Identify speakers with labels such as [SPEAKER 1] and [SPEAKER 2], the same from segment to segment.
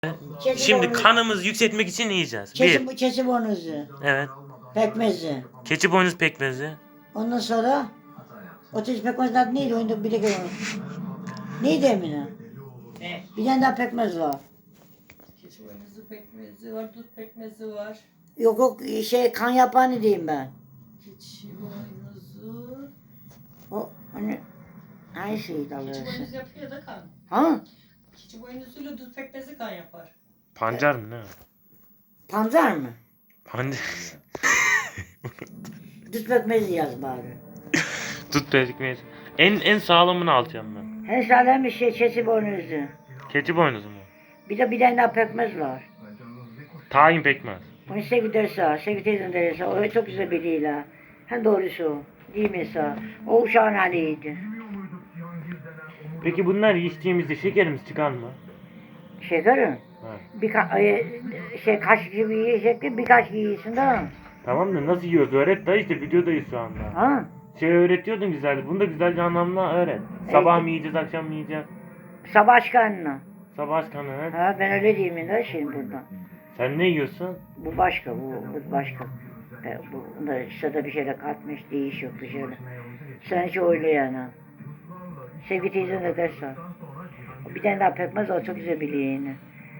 [SPEAKER 1] Şimdi kanımızı yükseltmek için ne yiyeceğiz?
[SPEAKER 2] Keçi boynuzu,
[SPEAKER 1] Evet.
[SPEAKER 2] pekmezi.
[SPEAKER 1] Keçi boynuz pekmezi.
[SPEAKER 2] Ondan sonra o çeşit pekmezin adı neydi? Oyunda bir de unuttum. Neydi Emine?
[SPEAKER 3] Ne?
[SPEAKER 2] Bir tane daha pekmez var.
[SPEAKER 3] Keçi boynuzu pekmezi var, dut pekmezi var.
[SPEAKER 2] Yok kan yapanı diyeyim ben.
[SPEAKER 3] Keçi boynuzu.
[SPEAKER 2] O hani şeydi
[SPEAKER 3] Keçi
[SPEAKER 2] alıyorsun.
[SPEAKER 3] boynuzu yapıyor da kan.
[SPEAKER 2] Ha?
[SPEAKER 3] Keçi boynuzuyla dut pekmezi kan yapar.
[SPEAKER 1] Pancar mı ne?
[SPEAKER 2] Pancar mı?
[SPEAKER 1] Pancar.
[SPEAKER 2] Düz pekmezi yaz bari.
[SPEAKER 1] Tut pekmezi. En sağlamını alacağım ben.
[SPEAKER 2] Her sağlam bir keçi boynuzu.
[SPEAKER 1] Keçi boynuzu mu?
[SPEAKER 2] Bir tane daha pekmez var.
[SPEAKER 1] Tahin pekmez.
[SPEAKER 2] Onu Sevgi derse, Sevgi teyzem derse, o çok güzel biriyle. Hem doğrusu o. Değil mi sağ? O uşağın haliydi.
[SPEAKER 1] Peki bunlar içtiğimizde şekerimiz çıkar mı?
[SPEAKER 2] Şekerim. Kaşık gibi yiyecekti, birkaç yiyorsun da.
[SPEAKER 1] Tamam da nasıl yiyoruz? Öğret da işte videodayız şu anda.
[SPEAKER 2] Ha?
[SPEAKER 1] Öğretiyordun güzeldi. Bunu da güzelce anlamla öğret. Sabah mı yiyeceğiz, akşam mı yiyeceğiz?
[SPEAKER 2] Sabah aşkınına.
[SPEAKER 1] Sabah aşkanı öğret.
[SPEAKER 2] Ha ben öyle diyeyim de şimdi burada.
[SPEAKER 1] Sen ne yiyorsun?
[SPEAKER 2] Bu başka, bu başka. Bunda işte bir şeyle katmış, değiş yok bir şeyle. Sen hiç öyle yani. Sevgi teyzen de derse. Bir tane daha pekmez o çok güzel biliyor yine.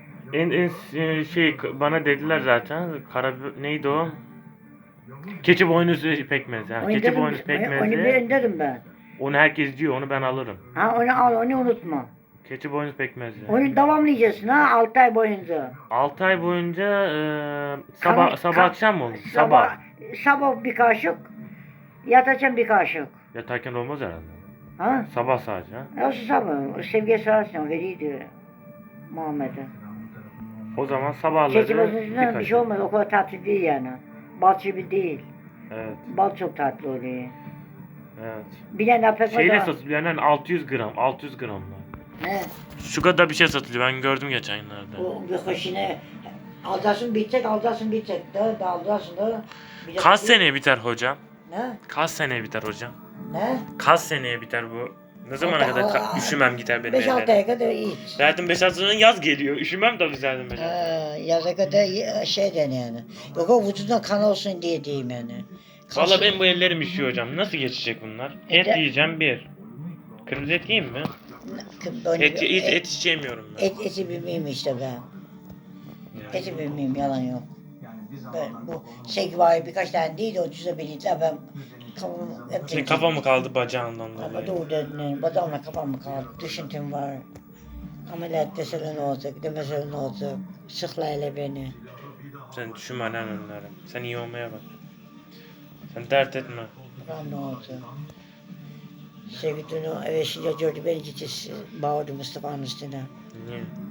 [SPEAKER 1] Bana dediler zaten. Neydi o? Keçi boynuzu pekmezi. Keçi boynuz pekmezi.
[SPEAKER 2] Onu ben dedim ben.
[SPEAKER 1] Onu herkes diyor. Onu ben alırım.
[SPEAKER 2] Ha onu al, onu unutma.
[SPEAKER 1] Keçi boynuz pekmezi.
[SPEAKER 2] Onu devamlayacaksın ha 6 ay boyunca.
[SPEAKER 1] 6 ay boyunca sabah akşam mı olur?
[SPEAKER 2] Sabah bir kaşık, yatacaksın bir kaşık.
[SPEAKER 1] Yatarken olmaz herhalde.
[SPEAKER 2] Ha?
[SPEAKER 1] Sabah sadece.
[SPEAKER 2] Nasıl sabah? Sevgiye sorarsan veriydi Muhammed'e.
[SPEAKER 1] O zaman sabahları
[SPEAKER 2] Keçi boynuzundan bir şey olmaz, o kadar tatlı değil yani. Bal gibi değil.
[SPEAKER 1] Evet.
[SPEAKER 2] Bal çok tatlı oluyor.
[SPEAKER 1] Evet.
[SPEAKER 2] Bir tane daha pekmez
[SPEAKER 1] Şeyle
[SPEAKER 2] var.
[SPEAKER 1] satılıyor yani 600 gram. 600 gramlar.
[SPEAKER 2] Ne?
[SPEAKER 1] Şu kadar bir şey satılıyor. Ben gördüm geçen günlerde.
[SPEAKER 2] O bir hoşine alacaksın bitecek da alacaksın da.
[SPEAKER 1] Kaç seneye biter hocam?
[SPEAKER 2] Ne?
[SPEAKER 1] Kaç seneye biter hocam?
[SPEAKER 2] Ne?
[SPEAKER 1] Kaç seneye biter bu? Ne zamana kadar üşümem gider benim
[SPEAKER 2] 5-6
[SPEAKER 1] ellerim?
[SPEAKER 2] aya kadar iyi.
[SPEAKER 1] Zaten 5-6 sene yaz geliyor. Üşümem tabii zaten 5
[SPEAKER 2] Yaza kadar şeyden yani. Yok o vücuduna kan olsun diye diyeyim yani.
[SPEAKER 1] Valla benim bu ellerim üşüyor hocam. Nasıl geçecek bunlar? Et yiyeceğim bir. Kırmızı et yiyeyim mi? Et hiç yemiyorum ben.
[SPEAKER 2] Eti bilmeyeyim işte ben. Eti bilmeyeyim yalan yok. Ben bu var birkaç tane değil de o çözebilirler ben kafamı hep
[SPEAKER 1] Senin kafa mı kaldı bacağından dolayı?
[SPEAKER 2] Ama doğru dedin, badamla kafam mı kaldı, düşüntüm var. Ameliyat deseler ne olacak, demeseler ne olacak, sıkla hele beni.
[SPEAKER 1] Sen düşünme lan onları. Sen iyi olmaya bak. Sen dert etme.
[SPEAKER 2] Bakalım ne olacak. Sevgi dün eve şimdi gördü beni gitti, bağırdı Mustafa'nın üstüne.
[SPEAKER 1] Niye?